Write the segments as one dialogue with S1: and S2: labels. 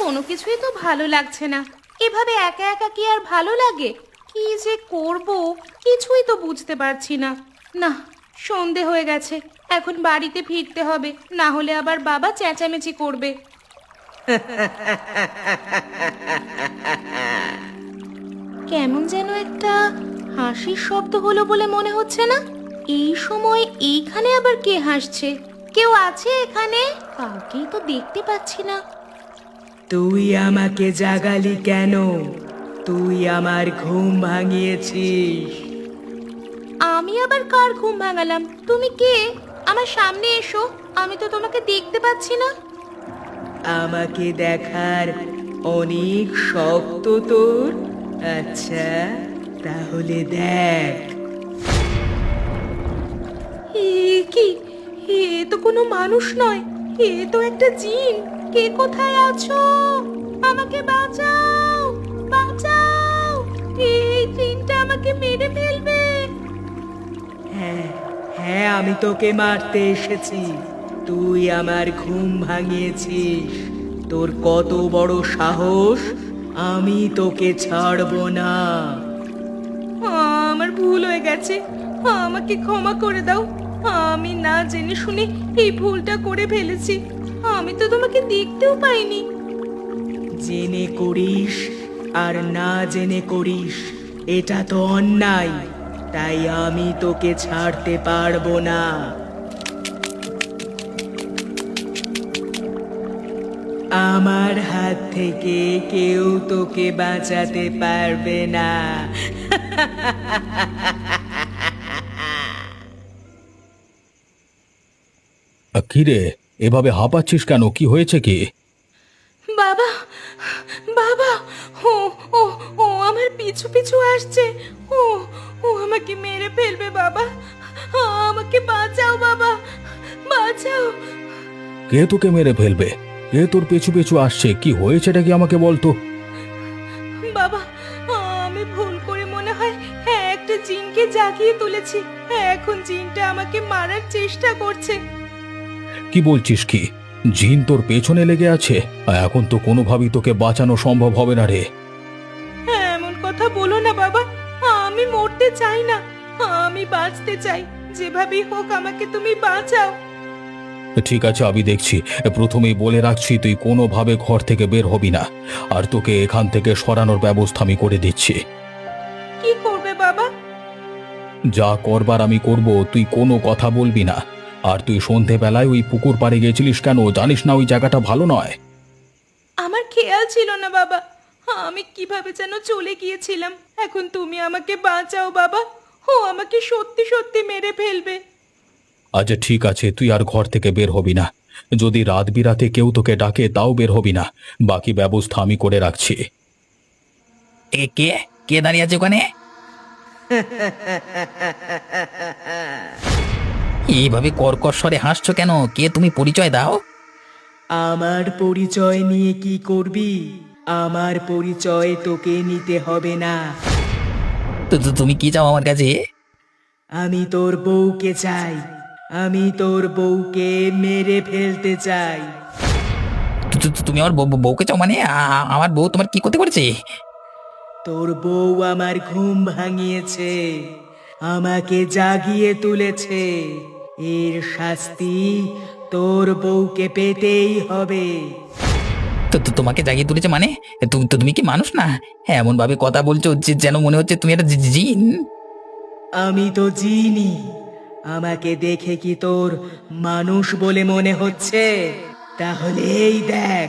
S1: কোনো কিছুই তো ভালো লাগছে না। এভাবে একা একা কি আর ভালো লাগে? কি যে করব কিছুই তো বুঝতে পারছি না। না, সন্ধে হয়ে গেছে, এখন বাড়িতে ফিরতে হবে, না হলে আবার বাবা চেঁচামেচি করবে। কেমন যেন একটা হাসির শব্দ হলো বলে মনে হচ্ছে না? এই সময় এইখানে আবার কে হাসছে? কেউ আছে এখানে? কাউকেই তো দেখতে পাচ্ছি না।
S2: তুই আমাকে জাগালি কেন? তুই আমার ঘুম ভাঙিয়েছিস।
S1: আমি আবার কার ঘুম ভাঙালাম? তুমি কে? আমার সামনে এসো, আমি তো তোমাকে দেখতে পাচ্ছি না।
S2: আমাকে দেখার অনেক শখ তো তোর। আচ্ছা, তাহলে দেখ।
S1: এ কি? এ তো কোনো মানুষ নয়, এ তো একটা জিন। কে কোথায় আছো? আমাকে বাঁচাও, বাঁচাও! এই জিনটা আমাকে মেরে ফেলবে।
S2: হ্যাঁ হ্যাঁ, আমি তোকে মারতে এসেছি। তুই আমার ঘুম ভাঙিয়েছিস। তোর কত বড় সাহস! আমি তোকে ছাড়বো না।
S1: আমার ভুল হয়ে গেছে, আমাকে ক্ষমা করে দাও। আমি না জেনে শুনে এই ভুলটা করে ফেলেছি। আমি তো তোমাকে দেখতেও পাইনি।
S2: জেনে করিস আর না জেনে করিস, এটা তো অন্যায়। তাই আমি তোকে ছাড়তে পারবো না। আমার হাত থেকে কেউ তোকে বাঁচাতে পারবে না।
S3: কিরে, এভাবে হাঁপাচ্ছিস কেন? কি হয়েছে কি?
S1: বাবা, বাবা! ও ও ও আমার পিছু পিছু আসছে। ও ও আমাকে মেরে ফেলবে বাবা। আমাকে বাঁচাও বাবা, বাঁচাও।
S3: কে তোকে মেরে ফেলবে? কে তোর পেছু পেছু আসছে? কি হয়েছেটা কি আমাকে বলতো।
S1: বাবা, আমি ভুল করে মনে হয় একটা জিনকে জাগিয়ে তুলেছি। এখন জিনটা আমাকে মারার চেষ্টা করছে।
S3: কি বলছিস কি? জিন তোর পেছনে লেগে আছে? এখন তো কোনোভাবেই তোকে বাঁচানো সম্ভব হবে না রে।
S1: এমন কথা বলো না বাবা, আমি মরতে চাই না, আমি বাঁচতে চাই। যেভাবেই হোক আমাকে তুমি বাঁচাও।
S3: ঠিক আছে, আমি দেখছি। প্রথমেই বলে রাখছি, তুই কোনোভাবে ঘর থেকে বের হবি না। আর তোকে এখান থেকে সরানোর ব্যবস্থা আমি করে দিচ্ছি।
S1: কি করবে বাবা?
S3: যা করবার আমি করব, তুই কোনো কথা বলবি না। আর তুই সন্ধেবেলায় ওই পুকুর পাড়ে গেছিলিস কেন? জানিস না ওই জায়গাটা ভালো নয়?
S1: আমার খেয়াল ছিল না বাবা, আমি কিভাবে যেন চলে গিয়েছিলাম। এখন তুমি আমাকে বাঁচাও বাবা, ও আমাকে সত্যি সত্যি মেরে ফেলবে।
S3: আচ্ছা ঠিক আছে, তুই আর ঘর থেকে বের হবি না। যদি রাত বিরাতে কেউ তোকে ডাকে তাও বের হবি না। বাকি ব্যবস্থা আমি করে রাখছি।
S4: এ কে? কে দাঁড়িয়ে আছে ওখানে? এইভাবে কর্কশ স্বরে হাসছো কেন? কে তুমি? পরিচয় দাও।
S2: আমার পরিচয় নিয়ে কি করবি? আমার পরিচয় তোকে নিতে হবে না।
S4: তুমি কি চাও আমার কাছে?
S2: আমি তোর বউকে চাই। আমি তোর বউকে মেরে ফেলতে চাই।
S4: তুমি আমার বউকে চাও মানে? আমার বউ তোমার কি করতে করেছে?
S2: তোর বউ আমার ঘুম ভাঙিয়েছে, আমাকে জাগিয়ে তুলেছে। এর শাস্তি তোর বউকে পেতেই হবে।
S4: তোমাকে জাগিয়ে তুলেছে মানে? তুমি কি মানুষ না? এমন ভাবে কথা বলছো যে যেন মনে হচ্ছে তুমি একটা জিন।
S2: আমি তো জিনি। আমাকে দেখে কি তোর মানুষ বলে মনে হচ্ছে? তাহলে এই দেখ।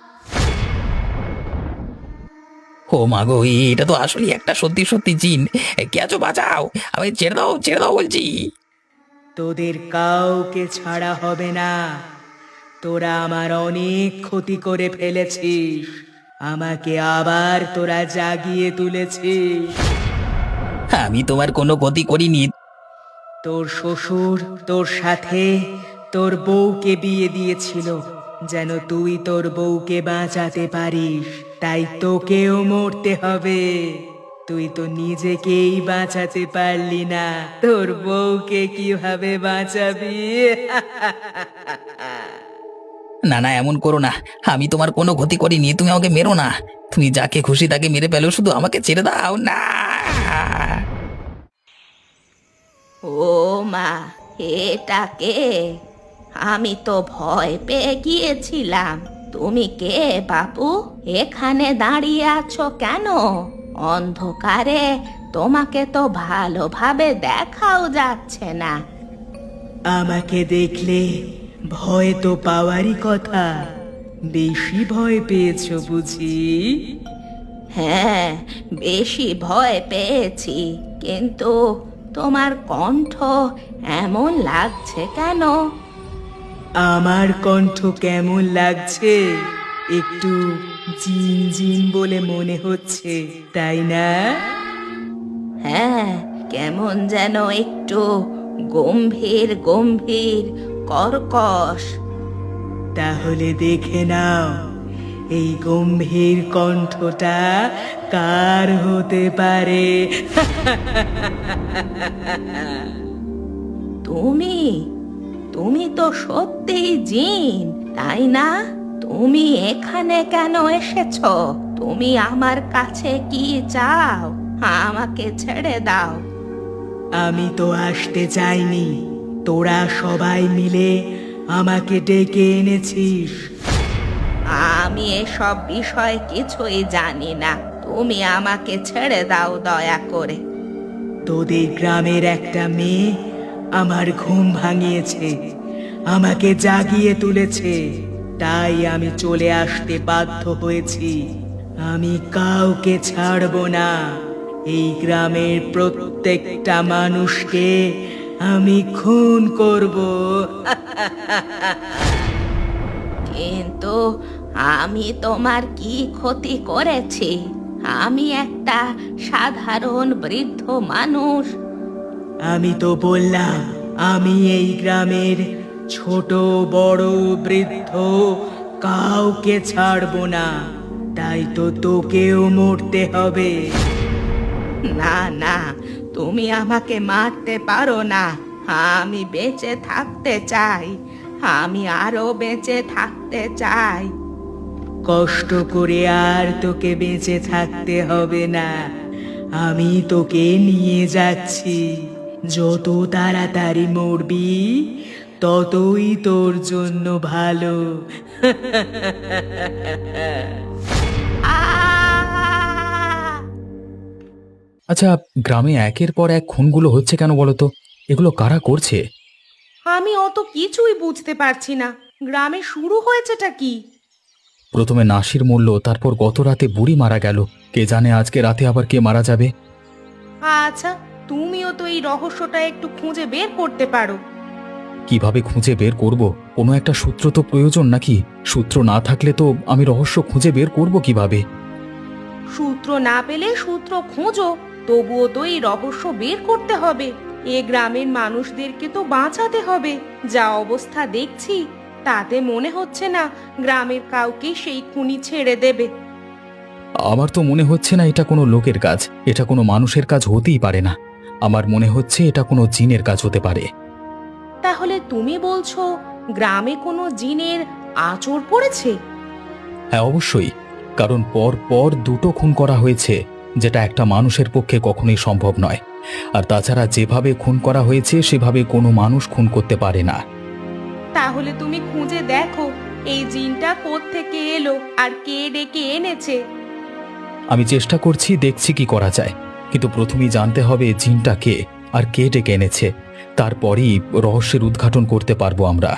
S4: ও মা গো, এটা তো আসলে একটা সত্যি সত্যি জিন। কে আছো? বাঁচাও! আমি ছেড়ে দাও, ছেড়ে দাও বলছি।
S2: তোদের কাউকে ছাড়া হবে না। তোরা আমার অনেক ক্ষতি করে ফেলেছিস, আমাকে আবার তোরা জাগিয়ে তুলেছিস।
S4: আমি তোমার কোনো ক্ষতি করিনি।
S2: তোর শ্বশুর তোর সাথে তোর বউকে বিয়ে দিয়েছিল যেন তুই তোর বউকে বাঁচাতে পারিস। তাই তোকেও মরতে হবে। তুই তো নিজেকেই বাঁচাতে পারলি না, তোর বউকে কিভাবে বাঁচাবি?
S4: না না, এমন করো না। আমি তোমার কোনো ক্ষতি করিনি, তুমি আমাকে মেরো না। তুমি যাকে খুশি তাকে মেরে ফেলো, শুধু আমাকে ছেড়ে দাও না।
S1: ও মা, এটা কে? আমি তো ভয় পেয়ে গিয়েছিলাম। তুমি কে বাবু? এখানে দাঁড়িয়ে আছো কেন? অন্ধকারে তোমাকে তো ভালোভাবে দেখাও যাচ্ছে না।
S2: আমাকে দেখলে ভয় তো পাওয়ারই কথা, বেশি ভয় পেয়েছো বুঝি?
S1: হ্যাঁ, বেশি ভয় পেয়েছি, কিন্তু তোমার কণ্ঠ এমন লাগছে কেন?
S2: আমার কণ্ঠ কেমন লাগছে? একটু জিন জিন বলে মনে হচ্ছে, তাই না?
S1: হ্যাঁ, কেমন যেন একটু গম্ভীর গম্ভীর কর্কশ।
S2: তাহলে দেখে নাও এই গম্ভীর কণ্ঠটা কার হতে পারে।
S1: তুমি তুমি তো সত্যিই জিন, তাই না? তুমি এখানে কেন এসেছো? তুমি আমার কাছে কি চাও? আমাকে ছেড়ে দাও।
S2: আমি তো আসতে চাইনি, তোরা সবাই মিলে আমাকে ডেকে এনেছিস।
S1: আমি এসব বিষয় কিছুই জানি না, তুমি আমাকে ছেড়ে দাও দয়া করে।
S2: তোদের গ্রামের একটা মেয়ে আমার ঘুম ভাঙিয়েছে, আমাকে জাগিয়ে তুলেছে, তাই আমি চলে আসতে বাধ্য হয়েছি। আমি কাউকে ছাড়বো না, এই গ্রামের প্রত্যেকটা মানুষকে আমি খুন করব।
S1: কিন্তু আমি তোমার কি ক্ষতি করেছি? আমি একটা সাধারণ বৃদ্ধ মানুষ।
S2: আমি তো বললাম আমি এই গ্রামের ছোট বড় বৃদ্ধ কাউকে ছাড়বো না, তাই তো তোকেও মরতে হবে।
S1: না না, তুমি আমাকে মারতে পারো না। আমি বেঁচে থাকতে চাই, আমি আরো বেঁচে থাকতে চাই।
S2: কষ্ট করে আর তোকে বেঁচে থাকতে হবে না, আমি তোকে নিয়ে যাচ্ছি। যত তাড়াতাড়ি মরবি ততই তোর জন্য ভালো।
S1: আহ!
S3: আচ্ছা, গ্রামে একের পর এক খুনগুলো হচ্ছে কেন বলো তো? এগুলো কারা করছে?
S1: আমি অত কিছুই বুঝতে পারছি না। গ্রামে শুরু হয়েছেটা কি?
S3: প্রথমে নাসির মরল, তারপর গত রাতে বুড়ি মারা গেল। কে জানে আজকে রাতে আবার কে মারা যাবে।
S1: আচ্ছা, তুমিও তো এই রহস্যটা একটু খুঁজে বের করতে পারো।
S3: কিভাবে খুঁজে বের করব? কোনো একটা সূত্র তো প্রয়োজন নাকি? সূত্র না থাকলে তো আমি রহস্য খুঁজে বের করব কিভাবে?
S1: সূত্র না পেলে সূত্র খোঁজো, তবুও তো এই রহস্য বের করতে হবে। এ গ্রামের মানুষদেরকে তো বাঁচাতে হবে। যা অবস্থা দেখছি তাতে মনে হচ্ছে না গ্রামের কাউকে সেই খুনি ছেড়ে দেবে।
S3: আমার তো মনে হচ্ছে না এটা কোনো লোকের কাজ, এটা কোনো মানুষের কাজ হতেই পারে না। আমার মনে হচ্ছে এটা কোনো জিনের কাজ হতে পারে।
S1: তাহলে তুমি বলছো গ্রামে কোনো জিনের আঁচড় পড়েছে?
S3: হ্যাঁ, অবশ্যই। কারণ পর পর দুটো খুন করা হয়েছে, যেটা একটা মানুষের পক্ষে কখনোই সম্ভব নয়। আর তাছাড়া যেভাবে খুন করা হয়েছে সেভাবে কোনো মানুষ খুন করতে পারে না।
S1: তাহলে তুমি খুঁজে দেখো এই জিনটা কোত্থেকে এলো আর কে ডেকে এনেছে।
S3: আমি চেষ্টা করছি, দেখছি কি করা যায়। কিন্তু প্রথমেই জানতে হবে জিনটা কে আর কে ডেকে এনেছে, তারপরেই রহস্যের উদ্ঘাটন করতে পারবো আমরা।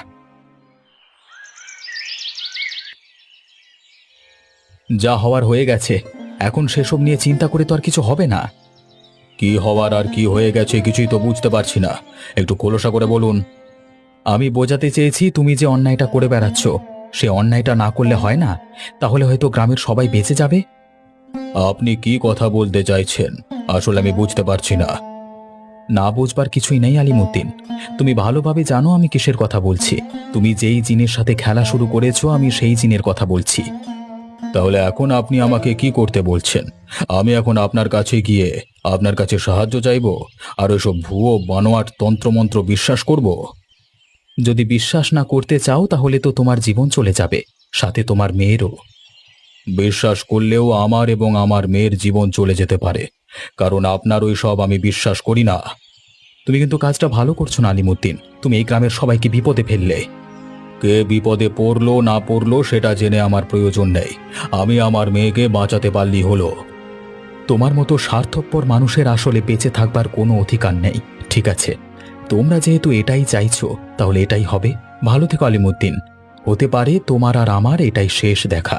S3: যা হওয়ার হয়ে গেছে, এখন সেসব নিয়ে চিন্তা করে তো আর কিছু হবে না। কি হওয়ার আর কি হয়ে গেছে কিছুই তো বুঝতে পারছি না, একটু খোলসা করে বলুন। আমি বোঝাতে চেয়েছি তুমি যে অন্যায়টা করে বেড়াচ্ছ, সে অন্যায়টা না করলে হয় না? তাহলে হয়তো গ্রামের সবাই বেঁচে যাবে। আপনি কি কথা বলতে চাইছেন আসলে আমি বুঝতে পারছি না। না বুঝবার কিছুই নেই আলিমুদ্দিন, তুমি ভালোভাবে জানো আমি কিসের কথা বলছি। তুমি যেই জিনের সাথে খেলা শুরু করেছো আমি সেই জিনের কথা বলছি। তাহলে এখন আপনি আমাকে কি করতে বলছেন? আমি এখন আপনার কাছে গিয়ে আপনার কাছে সাহায্য চাইবো আর ওইসব ভুয়ো বানোয়াট তন্ত্রমন্ত্র বিশ্বাস করব? যদি বিশ্বাস না করতে চাও তাহলে তো তোমার জীবন চলে যাবে, সাথে তোমার মেয়েরও। বিশ্বাস করলেও আমার এবং আমার মেয়ের জীবন চলে যেতে পারে, কারণ আপনার ওই সব আমি বিশ্বাস করি না। তুমি কিন্তু কাজটা ভালো করছো না আলিমুদ্দিন, তুমি এই গ্রামের সবাইকে বিপদে ফেললে। কে বিপদে পড়লো না পড়লো সেটা জেনে আমার প্রয়োজন নেই, আমি আমার মেয়েকে বাঁচাতে পারলেই হলো। তোমার মতো স্বার্থপর মানুষের আসলে বেঁচে থাকবার কোনো অধিকার নেই। ঠিক আছে, তোমরা যেহেতু এটাই চাইছো তাহলে এটাই হবে। ভালো থেকো আলিমুদ্দিন, হতে পারে তোমার আর আমার এটাই শেষ দেখা।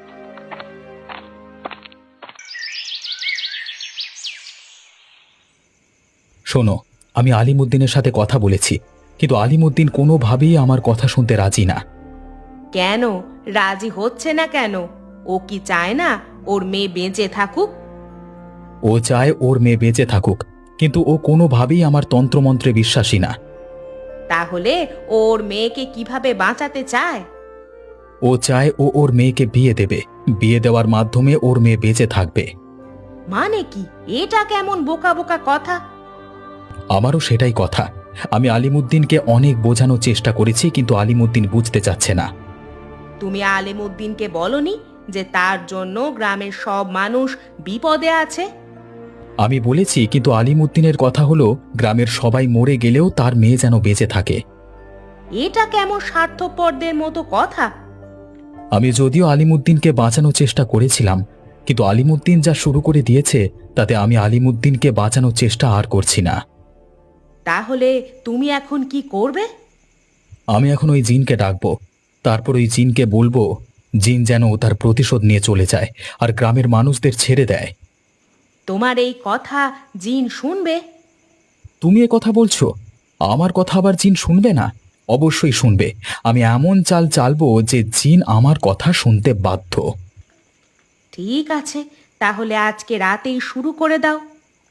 S3: শোনো, আমি আলিমুদ্দিনের সাথে কথা বলেছি, কিন্তু আলিমুদ্দিন কোনোভাবেই আমার কথা শুনতে রাজি না।
S1: কেন রাজি হচ্ছে না কেন? ও কি চায় না ওর মেয়ে বেঁচে থাকুক?
S3: ও চায় ওর মেয়ে বেঁচে থাকুক, কিন্তু ও কোনোভাবেই আমার তন্ত্রমন্ত্রে বিশ্বাসী না।
S1: তাহলে ওর মেয়েকে কিভাবে বাঁচাতে চায়?
S3: ও চায় ও ওর মেয়েকে বিয়ে দেবে, বিয়ে দেওয়ার মাধ্যমে ওর মেয়ে বেঁচে থাকবে।
S1: মানে কি? এটা কেমন বোকা বোকা কথা!
S3: আমারও সেটাই কথা। আমি আলিমুদ্দিনকে অনেক বোঝানোর চেষ্টা করেছি, কিন্তু আলিমুদ্দিন বুঝতে চাচ্ছে না।
S1: তুমি আলিমুদ্দিনকে বলনি যে তার জন্য গ্রামের সব মানুষ বিপদে আছে?
S3: আমি বলেছি, কিন্তু আলিমুদ্দিনের কথা হলো গ্রামের সবাই মরে গেলেও তার মেয়ে যেন বেঁচে থাকে।
S1: এটা কেমন স্বার্থপরদের মতো কথা!
S3: আমি যদিও আলিমুদ্দিনকে বাঁচানোর চেষ্টা করেছিলাম, কিন্তু আলিমুদ্দিন যা শুরু করে দিয়েছে তাতে আমি আলিমুদ্দিনকে বাঁচানোর চেষ্টা আর করছি না।
S1: তাহলে তুমি এখন কি করবে?
S3: আমি এখন ওই জিনকে ডাকবো, তারপর ওই জিনকে বলবো জিন যেন তার প্রতিশোধ নিয়ে চলে যায় আর গ্রামের মানুষদের ছেড়ে দেয়।
S1: তোমার এই কথা জিন শুনবে?
S3: তুমি এ কথা বলছো? আমার কথা আবার জিন শুনবে না? অবশ্যই শুনবে। আমি এমন চাল চালবো যে জিন আমার কথা শুনতে বাধ্য।
S1: ঠিক আছে, তাহলে আজকে রাতেই শুরু করে দাও।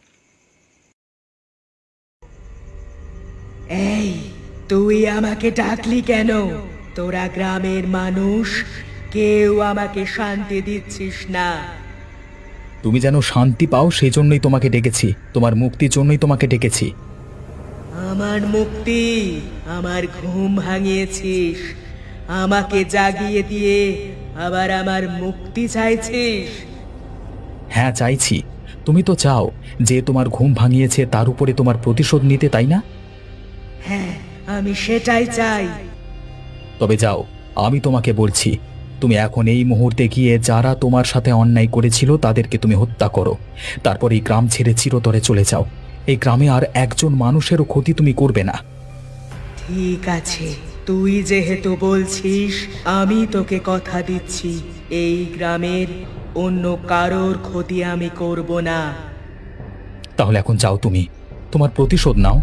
S2: এই, তুই আমাকে ডাকলি কেন? তোরা গ্রামের মানুষ কেউ আমাকে শান্তি দিচ্ছিস না।
S3: তুমি যেন শান্তি পাও সেই জন্যই তোমাকে ডেকেছি, তোমার মুক্তির জন্যই তোমাকে ডেকেছি।
S2: আমার মুক্তি? আমার ঘুম ভাঙিয়েছিস, আমাকে জাগিয়ে দিয়ে আবার আমার মুক্তি চাইছিস?
S3: হ্যাঁ চাইছি। তুমি তো চাও যে তোমার ঘুম ভাঙিয়েছে তার উপরে তোমার প্রতিশোধ নিতে, তাই না?
S2: হ্যাঁ, আমি সেটাই চাই।
S3: তবে যাও, আমি তোমাকে বলছি, তুমি এখন এই মুহূর্তে গিয়ে যারা তোমার সাথে অন্যায় করেছিল তাদেরকে তুমি হত্যা করো। তারপর এই গ্রাম ছেড়ে চিরতরে চলে যাও। এই গ্রামে আর একজন মানুষেরও ক্ষতি তুমি করবে না।
S2: ঠিক আছে, তুই যেহেতু বলছিস, আমি তোকে কথা দিচ্ছি, এই গ্রামের অন্য কারোর ক্ষতি আমি করব না।
S3: তাহলে এখন যাও, তুমি তোমার প্রতিশোধ নাও।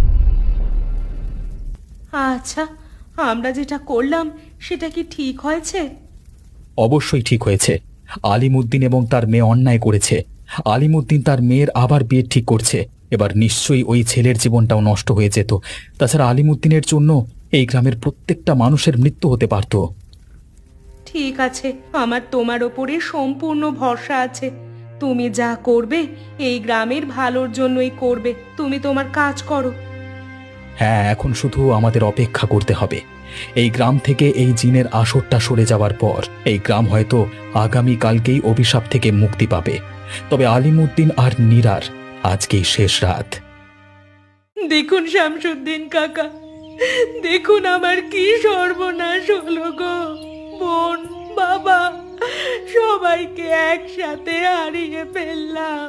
S1: আচ্ছা, আমরা যেটা করলাম সেটা কি ঠিক হয়েছে?
S3: অবশ্যই ঠিক হয়েছে। আলিমুদ্দিন এবং তার মেয়ে অন্যায় করেছে। আলিমুদ্দিন তার মেয়ের আবার বিয়ে ঠিক করছে। এবার নিশ্চয়ই ওই ছেলের জীবনটাও নষ্ট হয়ে যেত। তাছাড়া আলিমুদ্দিনের জন্য এই গ্রামের প্রত্যেকটা মানুষের মৃত্যু হতে পারত।
S1: ঠিক আছে, আমার তোমার ওপরে সম্পূর্ণ ভরসা আছে। তুমি যা করবে এই গ্রামের ভালোর জন্যই করবে। তুমি তোমার কাজ করো।
S3: হ্যাঁ, এখন শুধু আমাদের অপেক্ষা করতে হবে। এই গ্রাম থেকে এই জিনের আসরটা সরে যাওয়ার পর এই গ্রাম হয়তো আগামী কালকেই অভিশাপ থেকে মুক্তি পাবে। তবে আলিমুদ্দিন আর নীরার আজকেই শেষ রাত।
S1: দেখুন শামসুদ্দিন কাকা, দেখুন আমার কি সর্বনাশ হলো গো। বোন, বাবা, সবাইকে একসাথে হারিয়ে ফেললাম।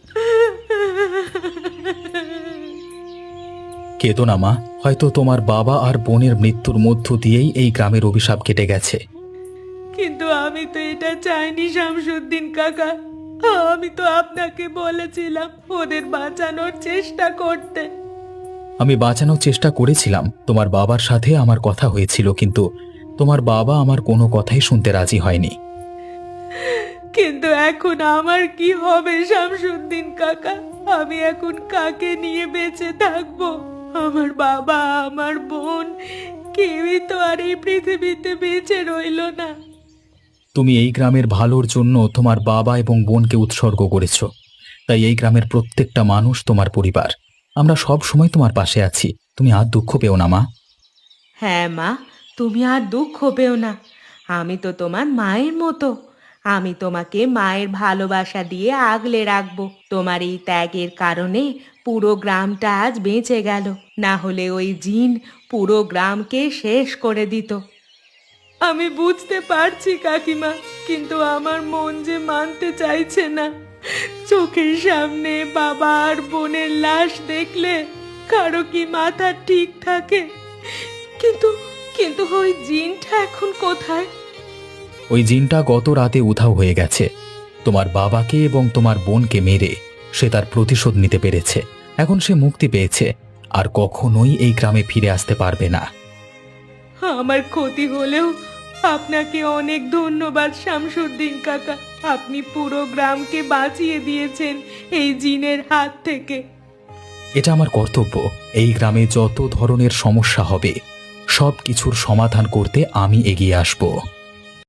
S3: কেঁদো না মা, হয়তো তোমার বাবা আর বোনের মৃত্যুর মধ্য দিয়েই এই গ্রামের অভিশাপ কেটে গেছে।
S1: কিন্তু আমি তো এটা চাইনি শামসুদ্দিন কাকা। আমি তো আপনাকে বলেছিলাম ওদের বাঁচানোর চেষ্টা করতে।
S3: আমি বাঁচানোর চেষ্টা করেছিলাম, তোমার বাবার সাথে আমার কথা হয়েছিল, কিন্তু তোমার বাবা আমার কোনো কথাই শুনতে রাজি হয়নি।
S1: কিন্তু এখন আমার কি হবে শামসুদ্দিন কাকা? আমি এখন কাকে নিয়ে বেঁচে থাকবো? আমার বাবা, আমার বোন, কেউই তো আর এই পৃথিবীতে বেঁচে রইল না।
S3: তুমি এই গ্রামের ভালোর জন্য তোমার বাবা এবং বোনকে উৎসর্গ করেছো, তাই এই গ্রামের প্রত্যেকটা মানুষ তোমার পরিবার। আমরা সব সময় তোমার পাশে আছি, তুমি আর দুঃখ পেও না মা।
S1: হ্যাঁ মা, তুমি আর দুঃখ পেও না। আমি তো তোমার মায়ের মতো। আমি তোমাকে মায়ের ভালোবাসা দিয়ে আগলে রাখবো। তোমার এই ত্যাগের কারণে পুরো গ্রামটা আজ বেঁচে গেল, না হলে ওই জিন পুরো গ্রামকে শেষ করে দিত। আমি বুঝতে পারছি কাকিমা, কিন্তু আমার মন যে মানতে চাইছে না। চোখের সামনে বাবা আর বোনের লাশ দেখলে কারো কি মাথা ঠিক থাকে? কিন্তু কিন্তু ওই জিনটা এখন কোথায়?
S3: ওই জিনটা গত রাতে উধাও হয়ে গেছে। তোমার বাবাকে এবং তোমার বোনকে মেরে সে তার প্রতিশোধ নিতে পেরেছে। এখন সে মুক্তি পেয়েছে, আর কখনোই এই গ্রামে ফিরে আসতে পারবে না।
S1: আমার ক্ষতি হলেও আপনাকে অনেক ধন্যবাদ শামসুদ্দিন কাকা। আপনি পুরো গ্রামকে বাঁচিয়ে দিয়েছেন এই জিনের হাত থেকে।
S3: এটা আমার কর্তব্য। এই গ্রামে যত ধরনের সমস্যা হবে সব কিছুর সমাধান করতে আমি এগিয়ে আসব।